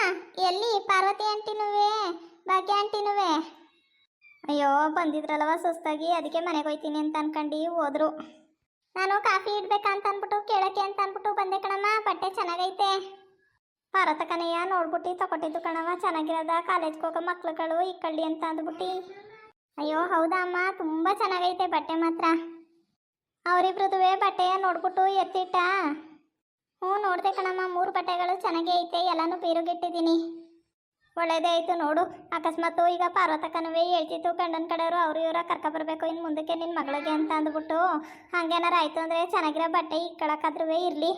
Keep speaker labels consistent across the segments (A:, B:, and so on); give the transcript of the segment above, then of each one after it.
A: ಎಲ್ಲಿ ಪಾರ್ವತಿ ಆಂಟಿನುವೆ ಭಾಗ್ಯ ಆಂಟಿನುವೆ? ಅಯ್ಯೋ ಬಂದಿದ್ರಲ್ವ ಸುಸ್ತಾಗಿ, ಅದಕ್ಕೆ ಮನೆಗೆ ಹೋಯ್ತೀನಿ ಅಂತ ಅನ್ಕೊಂಡು ಹೋದ್ರು. ನಾನು ಕಾಫಿ ಇಡ್ಬೇಕಾ ಅಂತ ಅನ್ಬಿಟ್ಟು ಕೇಳಕ್ಕೆ ಅಂತ ಅನ್ಬಿಟ್ಟು ಬಂದೆ ಕಣಮ್ಮ. ಬಟ್ಟೆ ಚೆನ್ನಾಗೈತೆ. ಪಾರ್ವತಕ್ಕನಯ್ಯ ನೋಡ್ಬಿಟ್ಟು ತಗೊಟ್ಟಿದ್ದು ಕಣವ, ಚೆನ್ನಾಗಿರೋದ, ಕಾಲೇಜ್ಗೆ ಹೋಗೋ ಮಕ್ಳುಗಳು ಇಕ್ಕಳ್ಳಿ ಅಂತ ಅಂದ್ಬಿಟ್ಟು. ಅಯ್ಯೋ ಹೌದಾ ಅಮ್ಮ, ತುಂಬ ಚೆನ್ನಾಗೈತೆ ಬಟ್ಟೆ ಮಾತ್ರ. ಅವರಿಬ್ರದುವೆ ಬಟ್ಟೆಯ ನೋಡ್ಬಿಟ್ಟು ಎತ್ತಿಟ್ಟ. ಹ್ಞೂ ನೋಡ್ದೆ ಕಣಮ್ಮ, 3 ಬಟ್ಟೆಗಳು ಚೆನ್ನಾಗೇ ಐತೆ, ಎಲ್ಲನೂ ಬೀರುಗಿಟ್ಟಿದ್ದೀನಿ. ಒಳ್ಳೇದೇ ಆಯಿತು ನೋಡು. ಅಕಸ್ಮಾತ್ ಈಗ ಪಾರ್ವತಕ್ಕನವೇ ಹೇಳ್ತಿತ್ತು ಗಂಡನ ಕಡೆಯವರು ಅವ್ರು ಇವರ ಕರ್ಕೊಬರ್ಬೇಕು ಇನ್ನು ಮುಂದಕ್ಕೆ ನಿನ್ನ ಮಗಳಿಗೆ ಅಂತ ಅಂದ್ಬಿಟ್ಟು. ಹಂಗೇನಾರ ಆಯಿತು ಅಂದರೆ ಚೆನ್ನಾಗಿರೋ ಬಟ್ಟೆ ಇಕ್ಕಳಕ್ಕಾದ್ರೂ ಇರಲಿ.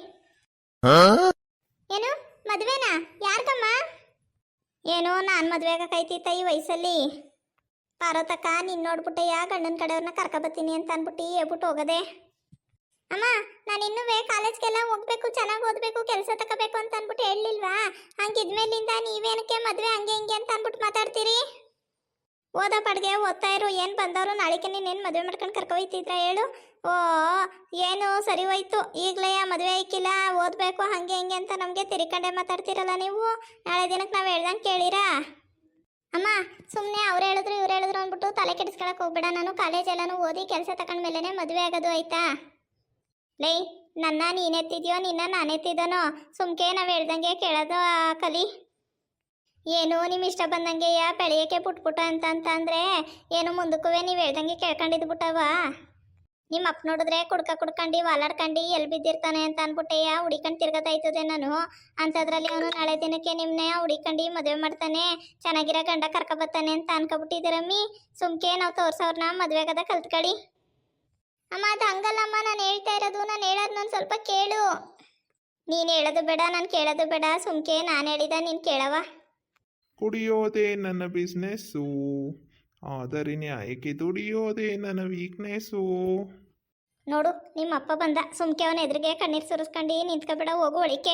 A: ಏನು ಮದುವೆನಾ? ಯಾರ್ಗಮ್ಮ? ಏನು ನಾನು ಮದುವೆ ಆಗಕ್ಕೈತಿತ್ತ ಈ ವಯಸ್ಸಲ್ಲಿ? ಪಾರ್ವತಕ್ಕ ನೀನು ನೋಡ್ಬಿಟ್ಟೆ ಯಾ ಗಂಡನ ಕಡೆಯವ್ರನ್ನ ಕರ್ಕೊಬತ್ತೀನಿ ಅಂತ ಅಂದ್ಬಿಟ್ಟು ಹೇಳ್ಬಿಟ್ಟು ಹೋಗದೆ. ಅಮ್ಮ ನಾನು ಇನ್ನೂ ಕಾಲೇಜ್ಗೆಲ್ಲ ಹೋಗ್ಬೇಕು, ಚೆನ್ನಾಗಿ ಓದಬೇಕು, ಕೆಲಸ ತಗೋಬೇಕು ಅಂತ ಅಂದ್ಬಿಟ್ಟು ಹೇಳಲಿಲ್ವಾ? ಹಂಗಿದ್ಮೇಲಿಂದ ನೀವೇನಕ್ಕೆ ಮದುವೆ ಹಂಗೆ ಹಿಂಗೆ ಅಂತ ಅಂದ್ಬಿಟ್ಟು ಮಾತಾಡ್ತೀರಿ? ಓದೋ ಪಡ್ಗೆ ಓದ್ತಾ ಇರು. ಏನು ಬಂದವರು ನಾಳೆಗೆ ನೀನೇನು ಮದುವೆ ಮಾಡ್ಕೊಂಡು ಕರ್ಕೊಯ್ತಿದ್ರ ಹೇಳು? ಓ ಏನು ಸರಿ ಹೋಯ್ತು, ಈಗಲೇ ಮದುವೆ ಐಕಿಲ್ಲ, ಓದಬೇಕು ಹಂಗೆ ಹಿಂಗೆ ಅಂತ ನಮಗೆ ತಿರ್ಕೊಂಡೆ ಮಾತಾಡ್ತಿರಲ್ಲ ನೀವು. ನಾಳೆ ದಿನಕ್ಕೆ ನಾವು ಹೇಳ್ದಂಗೆ ಕೇಳಿರಾ? ಅಮ್ಮ ಸುಮ್ಮನೆ ಅವ್ರು ಹೇಳಿದ್ರು ಇವ್ರು ಹೇಳಿದ್ರು ಅಂದ್ಬಿಟ್ಟು ತಲೆ ಕೆಡಿಸ್ಕೊಳಕ್ಕೆ ಹೋಗ್ಬೇಡ. ನಾನು ಕಾಲೇಜ್ ಎಲ್ಲನೂ ಓದಿ ಕೆಲಸ ತಗೊಂಡ್ಮೇಲೆ ಮದುವೆ ಆಗೋದು ಆಯ್ತಾ? ಲೈ ನನ್ನ ನೀನೆತ್ತಿದ್ಯೋ ನಿನ್ನ ನಾನೆತ್ತಿದನೋ? ಸುಮ್ಕೆ ನಾವು ಹೇಳ್ದಂಗೆ ಕೇಳೋದು ಕಲಿ. ಏನು ನಿಮ್ಮ ಇಷ್ಟ ಬಂದಂಗೆ ಬೆಳೆಯೋಕ್ಕೆ ಪುಟ್ಪುಟ ಅಂತಂದ್ರೆ ಏನು ಮುಂದಕ್ಕೂ ನೀವು ಹೇಳ್ದಂಗೆ ಕೇಳ್ಕೊಂಡಿದ್ದು ಬಿಟ್ಟವ? ನಿಮ್ಮ ಅಪ್ಪ ನೋಡಿದ್ರೆ ಕುಡ್ಕೊಂಡು ವಾಲಾಡ್ಕೊಂಡು ಎಲ್ಲಿ ಬಿದ್ದಿರ್ತಾನೆ ಅಂತ ಅಂದ್ಬಿಟ್ಟೆ ಹುಡಿಕೊಂಡು ತಿರ್ಗತಾಯ್ತದೆ ನಾನು. ಅಂಥದ್ರಲ್ಲಿ ಅವನು ನಾಳೆ ದಿನಕ್ಕೆ ನಿಮ್ಮನ್ನೇ ಹುಡಿಕೊಂಡು ಮದುವೆ ಮಾಡ್ತಾನೆ, ಚೆನ್ನಾಗಿರೋ ಗಂಡ ಕರ್ಕೊಬತ್ತಾನೆ ಅಂತ ಅನ್ಕೊಬಿಟ್ಟಿದ್ದೀರಮ್ಮಿ. ಸುಮ್ಕೆ ನಾವು ತೋರ್ಸೋರ್ನ ಮದುವೆ ಆಗದ ಕಲ್ತ್ಕಳಿ. ಅಮ್ಮ ಅದು ಹಂಗಲ್ಲಮ್ಮ, ನಾನು ಹೇಳ್ತಾ ಇರೋದು, ನಾನು ಹೇಳೋದು ನಾನು ಸ್ವಲ್ಪ ಕೇಳು. ನೀನು ಹೇಳೋದು ಬೇಡ, ನಾನು ಕೇಳೋದು ಬೇಡ. ಸುಮ್ಕೆ ನಾನು ಹೇಳಿದ ನೀನು ಕೇಳವ.
B: ಕುಡಿಯೋದೇ ನನ್ನ ಬಿಸ್ನೆಸ್ಸು, ಆದರೆ ನ್ಯಾಯಕ್ಕೆ ದುಡಿಯೋದೇ ನನ್ನ ವೀಕ್ನೆಸ್ಸು.
A: ನೋಡು ನಿಮ್ಮ ಅಪ್ಪ ಬಂದ, ಸುಮ್ಕೆ ಅವನ ಎದುರಿಗೆ ಕಣ್ಣೀರು ಸುರಿಸ್ಕೊಂಡು ನಿಂತ್ಕೊಬೇಡ, ಹೋಗು ಒಳಿಕೆ.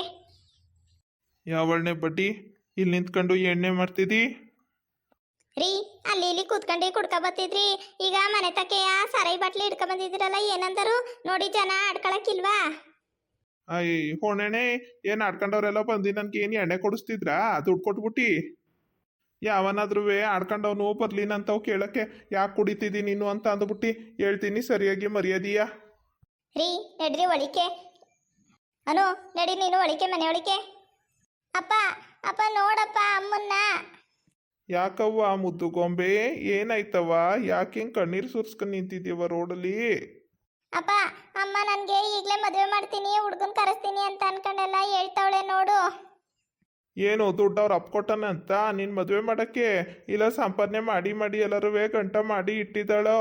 B: ಯಾವಳನೆ ಬಡ್ಡಿ ಇಲ್ಲಿ ನಿಂತ್ಕೊಂಡು ಎಣ್ಣೆ ಮಾಡ್ತಿದ್ದಿ?
A: ರೀ ಅಲ್ಲಿ ಇಲ್ಲಿ ಕೂತ್ಕೊಂಡು ಕುಡ್ಕೊಬತ್ತಿದ್ರಿ, ಈಗ ಮನೆ ತಕ್ಕೆಯ ಸರೈ ಬಾಟ್ಲಿ ಹಿಡ್ಕೊ ಬಂದಿದ್ದೀರಲ್ಲ, ಏನಂದರು ನೋಡಿ ಜನ ಆಡ್ಕೊಳಕ್ಕಿಲ್ವಾ?
B: ಅಯ್ಯ ಹೊಣೆಣೆ ಏನು ಆಡ್ಕೊಂಡವ್ರೆಲ್ಲ ಬಂದು ನನ್ಗೆ ಏನು ಎಣ್ಣೆ ಕೊಡಿಸ್ತಿದ್ರಾ? ದುಡ್ಡು ಕೊಟ್ಬಿಟ್ಟು ಯಾವನಾದ್ರೂ ಆಡ್ಕೊಂಡವನು ಬರ್ಲಿನಂತವ್ ಕೇಳಕ್ಕೆ ಯಾಕೆ ಕುಡಿತಿದ್ದಿ ನೀನು ಅಂತ ಅಂದ್ಬಿಟ್ಟು ಹೇಳ್ತೀನಿ ಸರಿಯಾಗಿ ಮರ್ಯಾದೀಯ.
A: ರೀ ನಡ್ರಿ ಒಳಿಕೆ. ಅನು ನಡಿ ನೀನು ಒಳಿಕೆ, ಮನೆ ಒಳಿಕೆ. ಅಪ್ಪ ಅಪ್ಪ ನೋಡಪ್ಪ ಅಮ್ಮನ್ನ.
B: ಯಾಕವ್ವ ಮುದ್ದು ಗೊಂಬೆ ಏನಾಯ್ತವ? ಯಾಕೆ ಹಿಂಗೆ ಕಣ್ಣೀರು ಸುರಿಸ್ಕೊಂಡು ನಿಂತಿದ್ದೀವ ರೋಡಲ್ಲಿ?
A: ಅಪ್ಪ ಅಮ್ಮ ನನಗೆ ಈಗಲೇ ಮದುವೆ ಮಾಡ್ತೀನಿ, ಹುಡುಗನ ಕರೆಸ್ತೀನಿ ಅಂತ ಅನ್ಕೊಂಡೆಲ್ಲ ಹೇಳ್ತಾವಳೆ ನೋಡು.
B: ಏನು ದುಡ್ಡು ಅವ್ರು ಅಪ್ಕೊಟ್ಟಾನ ಅಂತ ನೀನು ಮದುವೆ ಮಾಡೋಕ್ಕೆ? ಇಲ್ಲ ಸಂಪಾದನೆ ಮಾಡಿ ಮಾಡಿ ಎಲ್ಲರೂ ಗಂಟ ಮಾಡಿ ಇಟ್ಟಿದ್ದಾಳೋ?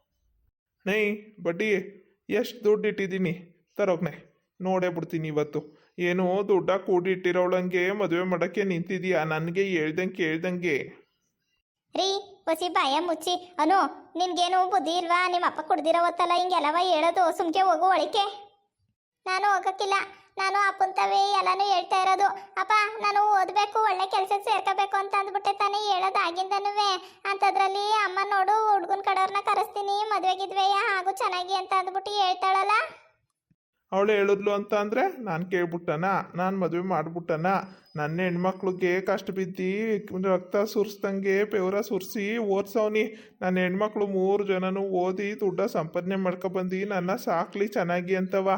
B: ನೈ ಬಡ್ಡಿ ಎಷ್ಟು ದುಡ್ಡು ಇಟ್ಟಿದ್ದೀನಿ ತರೋಗ್ನೆ ನೋಡೇ ಬಿಡ್ತೀನಿ ಇವತ್ತು. ಏನು ದುಡ್ಡ ಕೂಡಿ ಇಟ್ಟಿರೋಳಂಗೆ ಮದುವೆ ಮಾಡೋಕ್ಕೆ ನಿಂತಿದೀಯಾ? ನನಗೆ ಕೇಳ್ದಂಗೆ.
A: ರೀ ಹೊಸಿ ಬಾಯ ಮುಚ್ಚಿ. ಅನು ನಿನ್ಗೇನು ಬುದ್ಧಿ ಇಲ್ವಾ? ನಿಮ್ಮ ಅಪ್ಪ ಕುಡ್ದಿರೋ ಹೊತ್ತಲ್ಲ ಹಿಂಗೆಲ್ಲವ ಹೇಳೋದು. ಸುಮ್ಕೆ ಹೋಗು ಒಳಿಕೆ. ನಾನು ಹೋಗಕ್ಕಿಲ್ಲ, ನಾನು ಅಪ್ಪಂತವೇ ಎಲ್ಲಾನು ಹೇಳ್ತಾ ಇರೋದು. ಅಪ್ಪ ನಾನು ಓದಬೇಕು, ಒಳ್ಳೆ ಕೆಲ್ಸಕ್ಕೆ ಸೇರ್ಕೋಬೇಕು ಅಂತ ಅಂದ್ಬಿಟ್ಟೆ ತಾನೇ ಹೇಳೋದು ಆಗಿಂದನೂ. ಅಂಥದ್ರಲ್ಲಿ ಅಮ್ಮ ನೋಡು ಹುಡುಗನ ಕಡೆಯವ್ರನ್ನ ಕರೆಸ್ತೀನಿ, ಮದುವೆಗಿದ್ವೆಯ ಹಾಗೂ ಚೆನ್ನಾಗಿ ಅಂತ ಅಂದ್ಬಿಟ್ಟು ಹೇಳ್ತಾಳಲ್ಲ.
B: ಅವಳು ಹೇಳಿದ್ಲು ಅಂತ ಅಂದರೆ ನಾನು ಕೇಳ್ಬಿಟ್ಟನ? ನಾನು ಮದುವೆ ಮಾಡ್ಬಿಟ್ಟನ? ನನ್ನ ಹೆಣ್ಮಕ್ಳಿಗೆ ಕಷ್ಟ ಬಿದ್ದು ರಕ್ತ ಸುರಿಸ್ದಂಗೆ ಬೆವರ ಸುರಿಸಿ ಓದಿಸವ್ನಿ. ನನ್ನ ಹೆಣ್ಮಕ್ಳು 3 ಜನನೂ ಓದಿ ದುಡ್ಡ ಸಂಪಾದನೆ ಮಾಡ್ಕೊಬಂದು ನನ್ನ ಸಾಕ್ಲಿ ಚೆನ್ನಾಗಿ ಅಂತವ.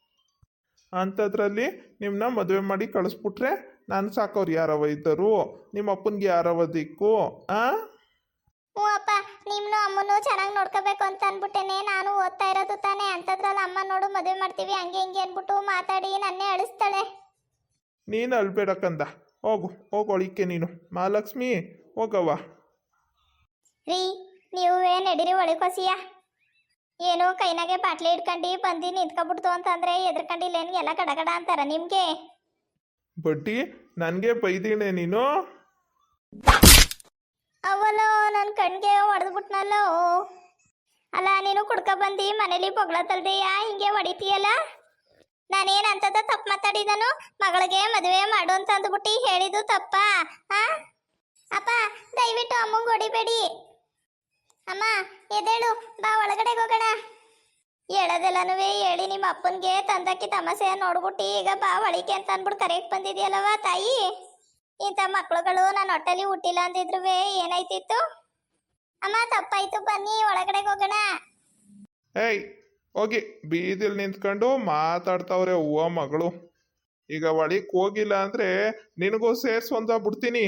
B: ಅಂಥದ್ರಲ್ಲಿ ನಿಮ್ಮನ್ನ ಮದುವೆ ಮಾಡಿ ಕಳಿಸ್ಬಿಟ್ರೆ ನಾನು ಸಾಕೋರು ಯಾರವ ಇದ್ದರು? ನಿಮ್ಮ ಅಪ್ಪನಿಗೆ ಯಾರವ ದಿಕ್ಕು?
A: ಹ್ಞೂ ಅಪ್ಪ, ನಿಮ್ಮನ್ನು ಅಮ್ಮನೂ ಚೆನ್ನಾಗಿ ನೋಡ್ಕೋಬೇಕು ಅಂತ ಅಂದ್ಬಿಟ್ಟೇನೆ ನಾನು ಓದ್ತಾ ಇರೋದು ತಾನೇ. ಅಂಥದ್ರಲ್ಲಿ ಅಮ್ಮ ನೋಡು ಮದುವೆ ಮಾಡ್ತೀವಿ ಹಂಗೆ ಹಿಂಗೆ ಅಂದ್ಬಿಟ್ಟು ಮಾತಾಡಿ ನನ್ನೇ ಅಳಿಸ್ತಾಳೆ.
B: ನೀನು ಅಳ್ಬೇಡಕ್ಕಂದ, ಹೋಗೊಳಿಕೆ ನೀನು. ಮಹಾಲಕ್ಷ್ಮಿ ಹೋಗವ್ವ.
A: ರೀ ನೀವೇ ನಡೀರಿ ಒಳಕೋಸಿಯ. ಏನು ಕೈನಾಗೆ ಬಾಟ್ಲಿ ಹಿಡ್ಕೊಂಡು ಬಂದು ನಿಂತ್ಕೊಬಿಡ್ತು ಅಂತಂದ್ರೆ ಎದ್ರಕೊಂಡಿಲ್ಲೇನು ಎಲ್ಲ ಗಡಗಡ ಅಂತಾರ ನಿಮಗೆ?
B: ಬಡ್ಡಿ ನನಗೆ ಬೈದಿಣೆ ನೀನು?
A: ಅವಲೋ ನನ್ನ ಕಣ್ಗೆ ಹೊಡೆದ್ಬಿಟ್ನಲ್ಲೋ. ಅಲ್ಲ ನೀನು ಕುಡ್ಕೊಬಂದು ಮನೇಲಿ ಬೊಗಳತಲ್ದೆಯಾ ಹಿಂಗೆ ಹೊಡಿತೀಯಲ್ಲ? ನಾನೇನಂತದ ತಪ್ಪು ಮಾತಾಡಿದನು? ಮಗಳಿಗೆ ಮದುವೆ ಮಾಡು ಅಂತ ಅಂದ್ಬಿಟ್ಟು ಹೇಳಿದ್ದು ತಪ್ಪ? ಅಪ್ಪ ದಯವಿಟ್ಟು ಅಮ್ಮಂಗೆ ಹೊಡಿಬೇಡಿ. ಅಮ್ಮ ಎದೇಳು ಬಾ ಒಳಗಡೆ ಹೋಗೋಣ. ಹೇಳೋದೆಲ್ಲನೂ ಹೇಳಿ ನಿಮ್ಮ ಅಪ್ಪನಿಗೆ ತಂದಕ್ಕಿ ತಮಾಷೆ ನೋಡ್ಬಿಟ್ಟು ಈಗ ಬಾ ಒಳಿಕೆ ಅಂತ ಅಂದ್ಬಿಟ್ಟು ಕರೆಕ್ಟ್ ಬಂದಿದೆಯಲ್ಲವ ತಾಯಿ. ಇಂಥ ಮಕ್ಳುಗಳು ನನ್ನ ಹೊಟ್ಟೆಲಿ ಹುಟ್ಟಿಲ್ಲ ಅಂದಿದ್ರು ಏನಾಯ್ತಿತ್ತು. ಅಮ್ಮ ತಪ್ಪಾಯ್ತು, ಬನ್ನಿ ಒಳಗಡೆ ಹೋಗೋಣ.
B: ಏಯ್ ಹೋಗಿ ಬೀದಿಲ್ ನಿಂತ್ಕೊಂಡು ಮಾತಾಡ್ತಾವ್ರೆ ಹೂವ ಮಗಳು. ಈಗ ಒಳಿಕ್ ಹೋಗಿಲ್ಲ ಅಂದ್ರೆ ನಿನಗೂ ಸೇರ್ಸೊಂದ ಬಿಡ್ತೀನಿ.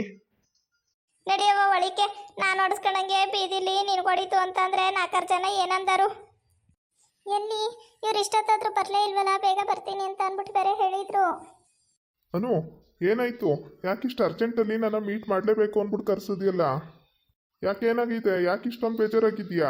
A: ನಡಿಯವ್ವ ಒಳಿಕೆ. ನಾನು ಹೊಡ್ಸ್ಕೊಂಡಂಗೆ ಬೀದಿಲಿ ನಿನ್ಗೊಡಿತು ಅಂತಂದ್ರೆ 4 ಜನ ಏನಂದರು. ಎಲ್ಲಿ ಇವ್ರು ಇಷ್ಟೊತ್ತಾದ್ರೂ ಬರಲೇ ಇಲ್ವಲ್ಲ, ಬೇಗ ಬರ್ತೀನಿ ಅಂತ ಅಂದ್ಬಿಟ್ಟು ಬೇರೆ ಹೇಳಿದ್ರು.
B: ಅನು ಏನಾಯ್ತು? ಯಾಕಿಷ್ಟು ಅರ್ಜೆಂಟಲ್ಲಿ ನನ್ನ ಮೀಟ್ ಮಾಡಲೇಬೇಕು ಅಂದ್ಬಿಟ್ಟು ಕರ್ಸಿದ್ಯಲ್ಲ? ಯಾಕೇನಾಗಿದೆ? ಯಾಕಿಷ್ಟೊಂದು ಬೇಜಾರಾಗಿದ್ಯಾ?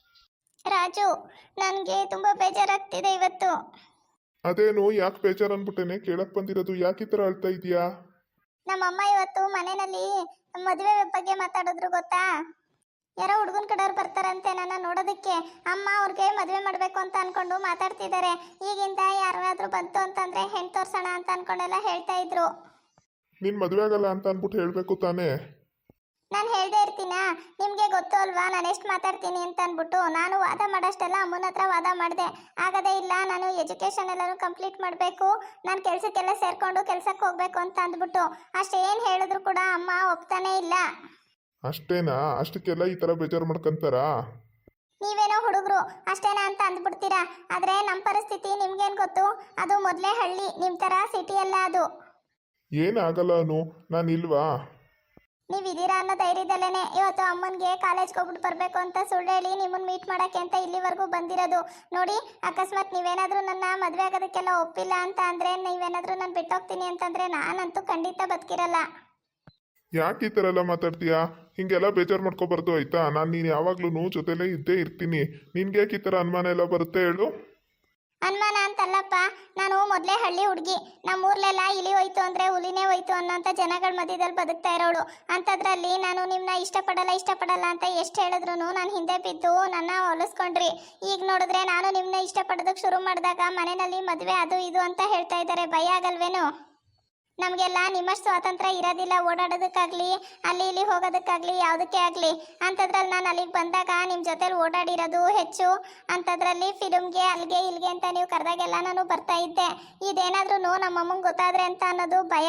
A: ರಾಜು, ನನಗೆ ತುಂಬ ಬೇಜಾರಾಗ್ತಿದೆ ಇವತ್ತು.
B: ಅದೇನು ಯಾಕೆ ಬೇಜಾರು ಅಂದ್ಬಿಟ್ಟೇನೆ ಕೇಳಕ್ ಬಂದಿರೋದು? ಯಾಕೆ ಈ ಥರ ಅಳ್ತಾ ಇದೀಯಾ?
A: ನಮ್ಮಮ್ಮ ಇವತ್ತು ಮನೆಯಲ್ಲಿ ಮದುವೆ ಬಗ್ಗೆ ಮಾತಾಡಿದ್ರು ಗೊತ್ತಾ. ಯಾರೋ ಹುಡುಗನ ಕಡೆಯವ್ರು ಬರ್ತಾರಂತೆ ನನ್ನ ನೋಡೋದಕ್ಕೆ. ಅಮ್ಮ ಅವ್ರಿಗೆ ಮದುವೆ ಮಾಡಬೇಕು ಅಂತ ಅನ್ಕೊಂಡು ಮಾತಾಡ್ತಿದ್ದಾರೆ. ಈಗಿಂದ ಯಾರಾದ್ರೂ ಬಂತು ಅಂತಂದ್ರೆ ಹೆಣ್ಣು ತೋರ್ಸೋಣ ಅಂತ ಅನ್ಕೊಂಡೆಲ್ಲ ಹೇಳ್ತಾ ಇದ್ರು.
B: ನಿನ್ ಮದುವೆ ಆಗಲ್ಲ ಅಂತ ಅಂದ್ಬಿಟ್ಟು ಹೇಳ್ಬೇಕು ತಾನೇ?
A: ನಾನು ಹೇಳ್ದೆ ಇರ್ತೀನಾ? ನಿಮಗೆ ಗೊತ್ತು ಅಲ್ವಾ ನಾನು ಎಷ್ಟು ಮಾತಾಡ್ತೀನಿ ಅಂತ ಅಂದ್ಬಿಟ್ಟು. ನಾನು ವಾದ ಮಾಡೋಷ್ಟೆಲ್ಲ ಅಮ್ಮನ ಹತ್ರ ವಾದ ಮಾಡಿದೆ. ಆಗದೇ ಇಲ್ಲ, ನಾನು ಎಜುಕೇಷನ್ ಎಲ್ಲನೂ ಕಂಪ್ಲೀಟ್ ಮಾಡಬೇಕು, ನಾನು ಕೆಲಸಕ್ಕೆಲ್ಲ ಸೇರ್ಕೊಂಡು ಕೆಲಸಕ್ಕೆ ಹೋಗ್ಬೇಕು ಅಂತ ಅಂದ್ಬಿಟ್ಟು. ಅಷ್ಟೇನು ಹೇಳಿದ್ರು ಕೂಡ ಅಮ್ಮ ಒಪ್ತಾನೇ ಇಲ್ಲ.
B: ಅಷ್ಟೇನಾ? ಅಷ್ಟಕ್ಕೆಲ್ಲ ಈ ಥರ ಬೇಜಾರು ಮಾಡ್ಕೊಂತಾರಾ?
A: ನೀವೇನೋ ಹುಡುಗರು ಅಷ್ಟೇನಾ ಅಂತ ಅಂದ್ಬಿಡ್ತೀರಾ. ಆದರೆ ನಮ್ಮ ಪರಿಸ್ಥಿತಿ ನಿಮ್ಗೇನು ಗೊತ್ತು? ಅದು ಮೊದಲೇ ಹಳ್ಳಿ, ನಿಮ್ಮ ಥರ ಸಿಟಿ ಅಲ್ಲ ಅದು.
B: ಏನಾಗಲ್ಲ ಅನು, ನಾನು ಇಲ್ವಾ?
A: ನೀವಿದ್ದೀರಾ ಅನ್ನೋ ಧೈರ್ಯದಲ್ಲೇನೆ ಇವತ್ತು ಅಮ್ಮನಿಗೆ ಕಾಲೇಜ್ಗೆ ಹೋಗ್ಬಿಟ್ಟು ಬರಬೇಕು ಅಂತ ಸುಳ್ಳು ಹೇಳಿ ನಿಮ್ಮನ್ನು ಮೀಟ್ ಮಾಡೋಕ್ಕೆ ಅಂತ ಇಲ್ಲಿವರೆಗೂ ಬಂದಿರೋದು. ನೋಡಿ, ಅಕಸ್ಮಾತ್ ನೀವೇನಾದರೂ ನನ್ನ ಮದುವೆ ಆಗೋದಕ್ಕೆಲ್ಲ ಒಪ್ಪಿಲ್ಲ ಅಂತ ಅಂದರೆ, ನೀವೇನಾದರೂ ನಾನು ಬಿಟ್ಟೋಗ್ತೀನಿ ಅಂತಂದರೆ ನಾನಂತೂ ಖಂಡಿತ ಬದುಕಿರಲ್ಲ.
B: ಯಾಕೆ ಈ ಥರ ಎಲ್ಲ ಮಾತಾಡ್ತೀಯಾ? ಹಿಂಗೆಲ್ಲ ಬೇಜಾರು ಮಾಡ್ಕೊಬಾರ್ದು ಆಯ್ತಾ? ನೀನು ಯಾವಾಗ್ಲೂ ಜೊತೆಲೇ ಇದ್ದೇ ಇರ್ತೀನಿ. ನಿನ್ಗೆ ಯಾಕೆ ಈ ಥರ ಅನುಮಾನ ಎಲ್ಲ ಬರುತ್ತೆ ಹೇಳು?
A: ಅನುಮಾನ ಅಂತಲ್ಲಪ್ಪ, ನಾನು ಮೊದಲೇ ಹಳ್ಳಿ ಹುಡುಗಿ. ನಮ್ಮೂರ್ಲೆಲ್ಲ ಇಲಿ ಹೋಯ್ತು ಅಂದರೆ ಹುಲಿನೇ ಹೋಯ್ತು ಅನ್ನೋಂಥ ಜನಗಳ ಮಧ್ಯದಲ್ಲಿ ಬದುಕ್ತಾ ಇರೋಳು. ಅಂಥದ್ರಲ್ಲಿ ನಾನು ನಿಮ್ಮನ್ನ ಇಷ್ಟಪಡಲ್ಲ ಅಂತ ಎಷ್ಟು ಹೇಳಿದ್ರು ನಾನು ಹಿಂದೆ ಬಿದ್ದು ನನ್ನ ಹೊಲಿಸ್ಕೊಂಡ್ರಿ. ಈಗ ನೋಡಿದ್ರೆ ನಾನು ನಿಮ್ಮನ್ನ ಇಷ್ಟಪಡೋದಕ್ಕೆ ಶುರು ಮಾಡಿದಾಗ ಮನೆಯಲ್ಲಿ ಮದುವೆ ಅದು ಇದು ಅಂತ ಹೇಳ್ತಾ ಇದ್ದಾರೆ. ಭಯ ಆಗಲ್ವೇನು? ನಮಗೆಲ್ಲ ನಿಮ್ಮಷ್ಟು ಸ್ವಾತಂತ್ರ್ಯ ಇರೋದಿಲ್ಲ, ಓಡಾಡೋದಕ್ಕಾಗಲಿ ಅಲ್ಲಿ ಇಲ್ಲಿ ಹೋಗೋದಕ್ಕಾಗಲಿ ಯಾವುದಕ್ಕೆ ಆಗಲಿ. ಅಂಥದ್ರಲ್ಲಿ ನಾನು ಅಲ್ಲಿಗೆ ಬಂದಾಗ ನಿಮ್ಮ ಜೊತೆಲಿ ಓಡಾಡಿರೋದು ಹೆಚ್ಚು. ಅಂಥದ್ರಲ್ಲಿ ಫಿಲ್ಮ್ಗೆ ಅಲ್ಲಿಗೆ ಇಲ್ಲಿಗೆ ಅಂತ ನೀವು ಕರೆದಾಗೆಲ್ಲ ನಾನು ಬರ್ತಾ ಇದ್ದೆ. ಇದೇನಾದ್ರೂ ನಮ್ಮಮ್ಮಂಗೆ ಗೊತ್ತಾದ್ರೆ ಅಂತ ಅನ್ನೋದು ಭಯ.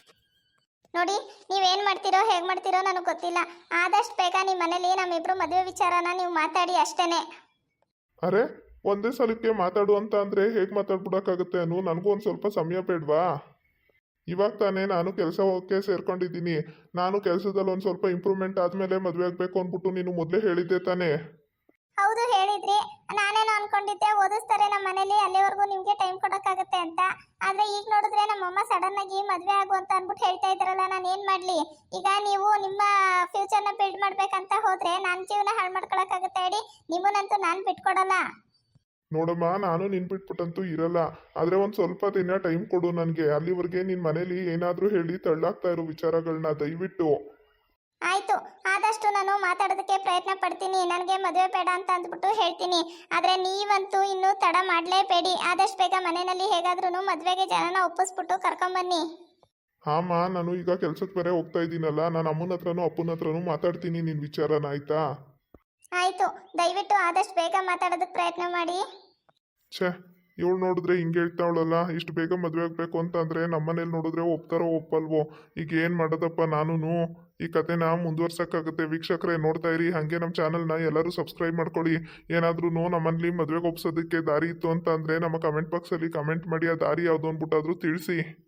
A: ನೋಡಿ, ನೀವೇನು ಮಾಡ್ತೀರೋ ಹೇಗೆ ಮಾಡ್ತೀರೋ ನನಗೆ ಗೊತ್ತಿಲ್ಲ. ಆದಷ್ಟು ಬೇಗ ನಿಮ್ಮ ಮನೇಲಿ ನಮ್ಮಿಬ್ರು ಮದುವೆ ವಿಚಾರನ ನೀವು ಮಾತಾಡಿ ಅಷ್ಟೇನೆ.
B: ಅರೆ, ಒಂದೇ ಸಲಕ್ಕೆ ಮಾತಾಡು ಅಂತ ಅಂದರೆ ಹೇಗೆ ಮಾತಾಡ್ಬಿಡೋಕ್ಕಾಗುತ್ತೆ ಅನು? ನನಗೂ ಒಂದು ಸ್ವಲ್ಪ ಸಮಯ ಬೇಡವಾ? ಇವಾಗ ತಾನೇ ನಾನು ಕೆಲಸ ಹೋಗೋಕ್ಕೆ ಸೇರ್ಕೊಂಡಿದ್ದೀನಿ. ನಾನು ಕೆಲಸದಲ್ಲಿ ಒಂದು ಸ್ವಲ್ಪ ಇಂಪ್ರೂವ್ಮೆಂಟ್ ಆದಮೇಲೆ ಮದುವೆ ಆಗಬೇಕು ಅಂದ್ಬಿಟ್ಟು ನೀನು ಮೊದಲೇ ಹೇಳಿದ್ದೆ ತಾನೇ?
A: ಹೌದು ಹೇಳಿದ್ರಿ. ನಾನೇನು ಅನ್ಕೊಂಡಿದ್ದೆ ಓದಿಸ್ತಾರೆ ನಮ್ಮ ಮನೇಲಿ, ಅಲ್ಲಿವರೆಗೂ ನಿಮಗೆ ಟೈಮ್ ಕೊಡೋಕ್ಕಾಗತ್ತೆ ಅಂತ. ಆದರೆ ಈಗ ನೋಡಿದ್ರೆ ನಮ್ಮಮ್ಮ ಸಡನ್ ಆಗಿ ಮದುವೆ ಆಗು ಅಂತ ಅಂದ್ಬಿಟ್ಟು ಹೇಳ್ತಾ ಇದ್ದಾರಲ್ಲ, ನಾನು ಏನು ಮಾಡಲಿ? ಈಗ ನೀವು ನಿಮ್ಮ ಫ್ಯೂಚರ್ನ ಬಿಲ್ಡ್ ಮಾಡ್ಬೇಕಂತ ಹೋದರೆ ನನ್ನ ಜೀವನ ಹಾಳು ಮಾಡ್ಕೊಳಕ್ಕಾಗತ್ತೆ ಹೇಳಿ? ನಿಮ್ಮನ್ನಂತೂ ನಾನು ಬಿಟ್ಕೊಡಲ್ಲ.
B: ನೋಡಮ್ಮ, ನಾನು ನಿನ್ ಬಿಟ್ಬಿಟ್ಟಂತೂ ಇರಲ್ಲ. ಆದರೆ ಒಂದು ಸ್ವಲ್ಪ ದಿನ ಟೈಮ್ ಕೊಡು ನನಗೆ. ಅಲ್ಲಿವರೆಗೆ ನಿನ್ನ ಮನೇಲಿ ಏನಾದರೂ ಹೇಳಿ ತಳ್ಳಾಗ್ತಾ ಇರೋ ವಿಚಾರಗಳನ್ನ ದಯವಿಟ್ಟು.
A: ಆಯಿತು, ಆದಷ್ಟು ನಾನು ಮಾತಾಡೋದಕ್ಕೆ ಪ್ರಯತ್ನ ಪಡ್ತೀನಿ. ನನಗೆ ಮದುವೆ ಬೇಡ ಅಂತ ಅಂದ್ಬಿಟ್ಟು ಹೇಳ್ತೀನಿ. ಆದರೆ ನೀವಂತೂ ಇನ್ನೂ ತಡ ಮಾಡಲೇಬೇಡಿ. ಆದಷ್ಟು ಬೇಗ ಮನೆಯಲ್ಲಿ ಹೇಗಾದ್ರೂ ಮದುವೆಗೆ ಜನನ ಒಪ್ಪಿಸ್ಬಿಟ್ಟು ಕರ್ಕೊಂಬನ್ನಿ.
B: ಹಾಂ, ನಾನು ಈಗ ಕೆಲ್ಸಕ್ಕೆ ಬೇರೆ ಹೋಗ್ತಾ ಇದ್ದೀನಲ್ಲ, ನಾನು ಅಮ್ಮನ ಹತ್ರನೂ ಅಪ್ಪನ ಹತ್ರನೂ ಮಾತಾಡ್ತೀನಿ ನಿನ್ನ ವಿಚಾರನ, ಆಯ್ತಾ?
A: ಆಯಿತು, ದಯವಿಟ್ಟು ಆದಷ್ಟು ಬೇಗ ಮಾತಾಡೋದಕ್ಕೆ ಪ್ರಯತ್ನ ಮಾಡಿ.
B: ಛೇ, ಇವಳು ನೋಡಿದ್ರೆ ಹಿಂಗೆ ಹೇಳ್ತಾವಳಲ್ಲ. ಇಷ್ಟು ಬೇಗ ಮದುವೆ ಆಗಬೇಕು ಅಂತಂದರೆ ನಮ್ಮನೇಲಿ ನೋಡಿದ್ರೆ ಒಪ್ತಾರೋ ಒಪ್ಪಲ್ವೋ? ಈಗ ಏನು ಮಾಡೋದಪ್ಪ? ನಾನು ಈ ಕತೆನ ಮುಂದುವರ್ಸೋಕ್ಕಾಗುತ್ತೆ. ವೀಕ್ಷಕರೇ ನೋಡ್ತಾ ಇರಿ, ಹಾಗೆ ನಮ್ಮ ಚಾನಲ್ನ ಎಲ್ಲರೂ ಸಬ್ಸ್ಕ್ರೈಬ್ ಮಾಡ್ಕೊಳ್ಳಿ. ಏನಾದ್ರೂ ನಮ್ಮಲ್ಲಿ ಮದುವೆಗೆ ಒಪ್ಸೋದಕ್ಕೆ ದಾರಿ ಇತ್ತು ಅಂತ ಅಂದರೆ ನಮ್ಮ ಕಮೆಂಟ್ ಬಾಕ್ಸಲ್ಲಿ ಕಮೆಂಟ್ ಮಾಡಿ, ಆ ದಾರಿ ಯಾವುದು ಅಂದ್ಬಿಟ್ಟಾದರೂ ತಿಳಿಸಿ.